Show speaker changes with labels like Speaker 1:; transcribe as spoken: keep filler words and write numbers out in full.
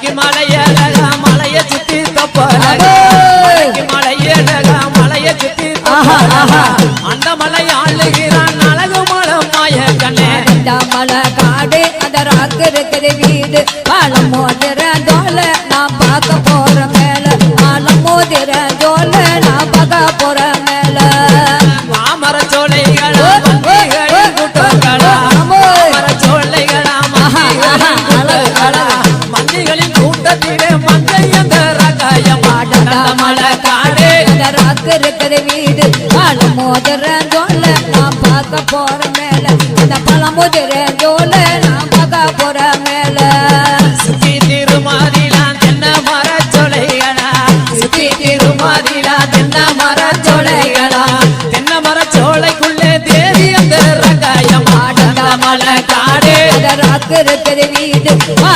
Speaker 1: மலையழகா மலைய சுத்தி தப்பழகா மலையழகா மலைய சுத்தி அந்த மலை ஆளுகிறான் அழகு மலம் மாய கண்ணே
Speaker 2: இந்த மலை காடு அந்த ராக்கு இருக்குது வீடு பாலம் மோதிர ஜோல நான் பார்க்க போற மேல பாலம் மோதிர ஜோல நான் பார்க்க போற மேல
Speaker 1: மாமர சோலைகளா கூட்டங்களா மாமர சோலைகளா மஞ்சிகளின் கூட்டத்திலே மஞ்சை அந்த ரகாயம் அந்த மலை காடு
Speaker 2: அந்த ராக்கு இருக்குது வீடு பாலம் மோதிர ஜோல நான் பார்க்க போற மேல அந்த பாலம் மோதிர ஜோல நான் பார்க்க போற மேல
Speaker 1: சுத்தி திருமாதிலா தென்ன மர சோலைகளா சுத்தி திருமாதிலா தென்ன மர சோலைகளா தென்ன மர சோலைக்குள்ளே தேவி அந்த ரகாயம் அந்த மலை காடு
Speaker 2: அந்த ராக்கு இருக்குது வீடு